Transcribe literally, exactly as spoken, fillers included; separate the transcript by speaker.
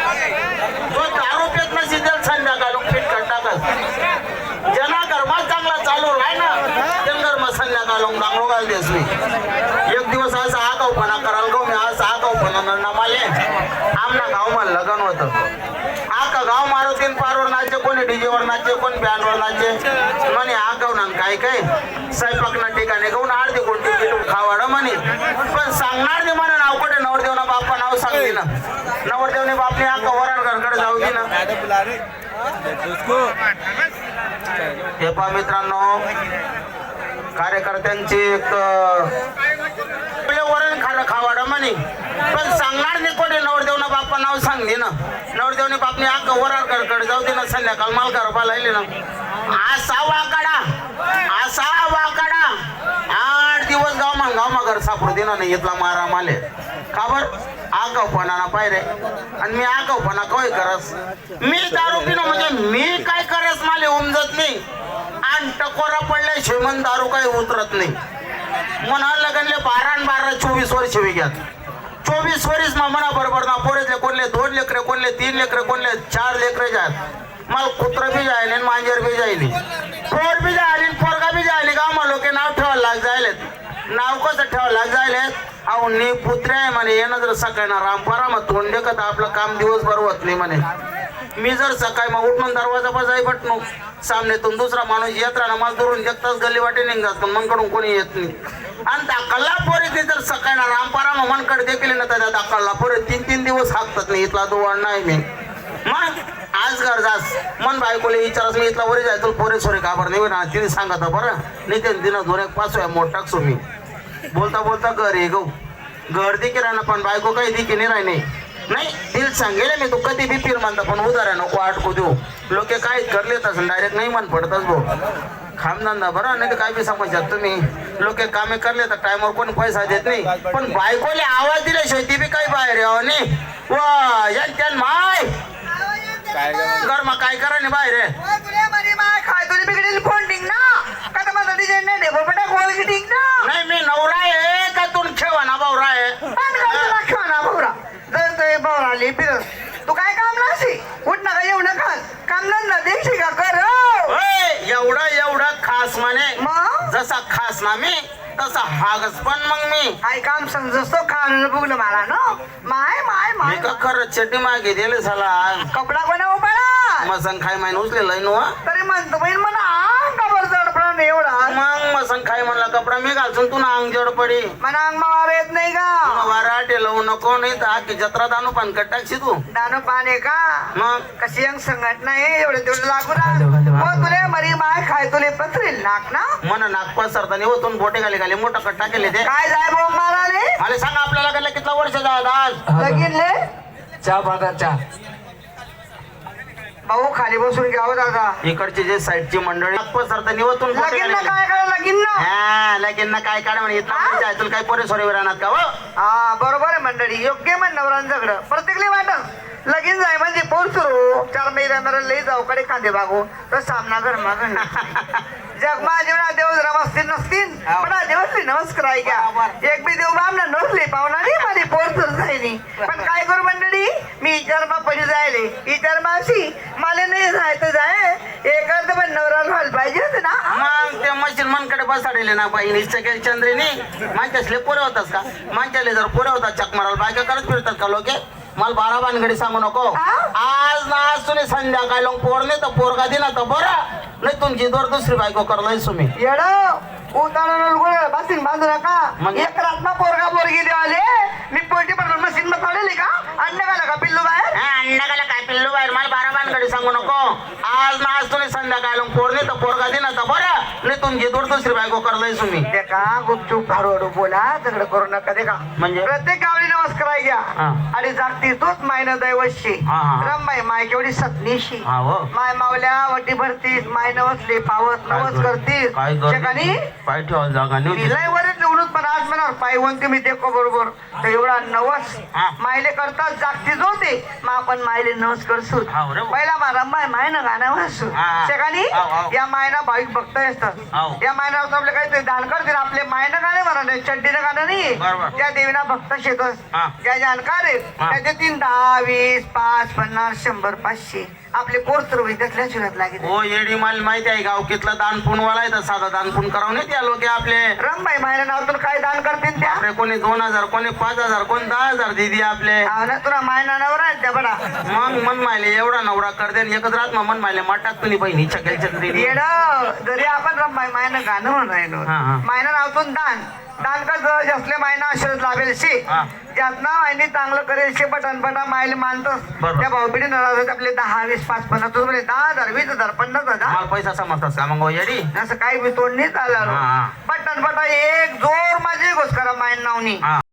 Speaker 1: तो दारू पेत नसेल तर संध्याकाळ फिट कर टाकत जना गरमा चांगला चालू राह ना ते गरमा संध्याकाळ डांगरो घाल देस मी एक दिवस असा आगाऊपणा करायला गो मी आज आगाऊपणा नमाले आमना गावमा लग्न होतं आका गाव मारुतीन पारवर नाचे कोणी डीजेवर नाचे कोणी बँडवर नाचे म्हणे आगाव ना काय काय स्वयंपाकना ठिकाणी गाऊन अर्धी कोणती किटू खावाड म्हणे पण सांगणार नाही म्हणा नाव कुठे नवरदेवना बाप्पा नाव सांगली ना नवरदेवने बापने आका वराड घरकडे जाऊ दे ना हे पहा मित्रांनो कार्यकर्त्यांची एक वरण खाणं खावाडा म्हणे पण सांगणार नाही कोणी नवरदेवना बाप्पा नाव सांगली ना नवरदेवने बापने आका वराड घरकडे जाऊ दे ना संध्याकाळ माल गरबा लायले ना असा वाकडा असा वाकडा आठ दिवस गाव मा गाव मा घर सापडू दे ना नाही इथला मारा माले का बर आगावपणा पाहिजे आणि मी आगावपणा काय करस मी दारू पिणं म्हणजे मी काय करस माले उमजत नाही आणि टकोरा पडले श्रीमंत दारू काही उतरत नाही म्हणा लगनले बारा बारा चोवीस वर्ष विघ्यात चोवीस वर्ष मा म्हणा बरोबर ना पोरेतले कोणले दोन लेकरे कोणले तीन लेकरे कोणले चार लेकरे जात मला कुत्र बी जायले मांजर बी जायली पोर बी जायली पोरगा बी जायली का मग लोक नाव ठेवायला लाग जायलेत नाव कसं ठेवायला लाग जायलेत अहो नी पुत्रे आहे म्हणे येणं जर सकाळी ना रामपारा मग तोंड देखत आपलं काम दिवसभर होत नाही म्हणे मी जर सकाळी मग उठून दरवाजा बजाई बटनो सामनेतून दुसरा माणूस येत राहणार मला दुरून देखताच गल्ली वाटे निघतात पण मनकडून कोणी येत नाही आणि दाखलला पोरे ते जर सकाळी ना रामपारा मग मनकडे देखील ना त्या दाखलला पोरे तीन तीन दिवस हाकतात नाही इथला दुवाड नाही मी मग आज घर जास मन बायकोले विचारस मी इथला वरी जाय तुला पोरे सोरे काबर नाही ना तिने सांगत बरं नाही ते दिन दोन एक पाच वेळा मोठ टाकसो मी बोलता बोलता घर ये गो घर देखील राहणं पण बायको काही देखी नाही राही नाही नाही दिल सांगेल मी तू कधी बी पीर म्हणता पण उदार आहे नको आटकू देऊ लोक काय करलेत असं डायरेक्ट नाही मन पडतच भाऊ खामधंदा बरं नाही तर काय बी समजतात तुम्ही लोक कामे करले तर टायमवर कोणी पैसा देत नाही पण बायकोले आवाज दिल्याशिवाय ती बी काही बाहेर यावं नाही वा यान माय घर मग काय करा नाही बाहेर
Speaker 2: खाय तुला बिघडेल फोन टिंग ना का तर माझा डिझाईन नाही दे बोलपटा गोल टिंग ना
Speaker 1: नाही मी नवरा आहे का तू ठेवा ना भावरा आहे
Speaker 2: ठेवा ना भावरा जर तो भावरा आली फिरस तू काय काम नशी उठ ना का येऊ नका काम ना देशी का कर
Speaker 1: एवढं एवढं खास म्हणे
Speaker 2: मग
Speaker 1: जसा खास ना मी तसा हागस पण मग मी
Speaker 2: काय काम समजतो खाणं बघलं मला ना माय माय
Speaker 1: मी
Speaker 2: माय
Speaker 1: का खरं चड्डी मागे दिले झाला
Speaker 2: कपडा बनव बळा
Speaker 1: मसन खाय माहिन उचलेलं नो
Speaker 2: तरी म्हणतो बहीण म्हणा कबर जडपडा नाही एवढा
Speaker 1: मग मसन खाय म्हणला कपडा मी घालसून तू ना अंग जड पडी
Speaker 2: मला अंग मार येत नाही का
Speaker 1: वाराटे लावू नको नाही तर आखी जत्रा दानू पण कटाक्षी तू
Speaker 2: दानो पाने का
Speaker 1: मग
Speaker 2: कशी अंग संघट नाही एवढे तेवढे लागू राहा तुले मरी माय खाय तुले पत्रेल नाक ना
Speaker 1: मन नागपास सरतानी होतून बोटे खाली खाली मोठा कट्टा केले ते
Speaker 2: काय जाय बोंब माराले
Speaker 1: मला सांगा आपल्याला कडलं कितला वर्ष झालं आज
Speaker 2: लगीनले
Speaker 3: चहा पाहता चहा
Speaker 2: भाऊ खाली बसून घ्यावं दादा
Speaker 1: इकडची जे साईडची मंडळी नागपास सरतानी होतून बोटे
Speaker 2: लगीन
Speaker 1: खाली
Speaker 2: काय करा लगीन ना
Speaker 1: हा लगीन ना काय काढ म्हणे इथला तुला काही पोरे सोरे राहणार का हो
Speaker 2: हा बरोबर आहे मंडळी योग्य म्हण नवरांच्याकडं प्रत्येकले वाटत लगीन जाय म्हणजे पोर सुरू चार महिन्या मेरा लई जाऊ कडे कांदे बागू तर सामना घर मागण जगमा जेवणा देव जरा असतील नसतील पण देवसली नमस्कार आहे का एक बी देव बामना नसले पाहुणा नाही माझी पोर तर जायनी पण काय करू मंडळी मी विचार बापाशी जायले विचार मावशी मला नाही जायचं जाय एक अर्ध पण नवरा व्हायला पाहिजे होते ना
Speaker 1: मग ते मशीन मनकडे बसाडले ना बाई सगळे चंद्रीने माणच्यासले पोरे होतात का माणच्याले जर पोरे होतात चक मारायला बायका करत फिरतात का लोक मला बारा बानगडी सांगू नको आज ना आज तुम्ही संध्याकाळी लोक पोर नाही तर पोरगा दिला तर बरं नाही तुमची दोर दुसरी बायको करलाय तुम्ही
Speaker 2: येड उतारा बसीन बांधू नका एक रात्मा पोरगा पोरगी देवाले मी पोटी पण मशीन मध्ये पडले का अन्न घाला का पिल्लू बाहेर
Speaker 1: अन्न गाला काय पिल्लू बाहेर मला बारा बानगडी सांगू नको आज ना आज तुम्ही संध्याकाळी लोक पोर नाही तर पोरगा दिला तर बरं नाही तुमची दोर दुसरी बायको करलाय तुम्ही
Speaker 2: ते का गुपचूप हळूहळू बोला सगळं करू नका ते का
Speaker 1: म्हणजे
Speaker 2: प्रत्येक गावडी नमस्कार घ्या आणि जागती तोच मायन दैवशी रमबाई माय केवढी सतनीशी माय मावल्या वटी भरतीस माय नवसले पावत नवस करतीस ठिकाणी
Speaker 1: पाय ठेवायला जागा नाही
Speaker 2: लय वरच निवडून पण आज म्हणा पाय वंत मी देखो बरोबर तर एवढा नवस मायले करता जागतीच होते मग आपण मायले नमस्कार सूत
Speaker 1: हाव रे.
Speaker 2: पहिला मा रंबाई मायनं गाणं वाचू
Speaker 1: हा, हा.
Speaker 2: शेकानी
Speaker 1: हाव, हाव.
Speaker 2: या मायना भाविक भक्त असतात
Speaker 1: हाव.
Speaker 2: या मायनावर आपले काहीतरी दान करतील आपले मायनं गाणं म्हणा नाही चड्डीनं गाणं नाही
Speaker 1: बरोबर.
Speaker 2: त्या देवीना भक्त शेतस
Speaker 1: हा.
Speaker 2: ज्या जाणकार आहेत
Speaker 1: हा.
Speaker 2: त्याचे तीन दहा वीस पाच पन्नास शंभर पाचशे आपले पोरतर होईल त्यातल्या शिरत लागेल
Speaker 1: हो येडी माल माहिती आहे गावकीतला दान पुणवाला आहे तर साधा दान पुण करावं नाही त्या लोक आपले
Speaker 2: रंबाई मायना नाव तुला काय दान करतील त्या
Speaker 1: आपले कोणी दोन हजार कोणी पाच हजार कोणी दहा हजार दिदी आपले
Speaker 2: हाव ना तुला मायना नवर आहे त्या बडा
Speaker 1: मग मन मायले एवढा नवरा करते आणि एकच रात मग मन मायले माटात तुम्ही बहिणीच्या गेलच्या दिदी
Speaker 2: येड जरी आपण रंबाई मायनं गाणं म्हणून राहिलो
Speaker 1: हा, हा.
Speaker 2: मायना नावतून दान दान कर जसले मायना आशीर्वाद लाभेल शे
Speaker 1: हा.
Speaker 2: ज्यातना मायने चांगलं करेल शे बटन बटा मायले मानतोस
Speaker 1: बरोबर.
Speaker 2: त्या भाऊबिडी नाराज आपले दहा वीस पाच पन्नास तुझं म्हणजे दहा हजार वीस हजार पन्नास हजार
Speaker 1: मला पैसा समजतात का मग हो येडी
Speaker 2: असं काही बी तोड नाही चालणार
Speaker 1: हा, हा.
Speaker 2: बटन बटा एक जोर माझी घोष करा मायन नावनी
Speaker 1: हा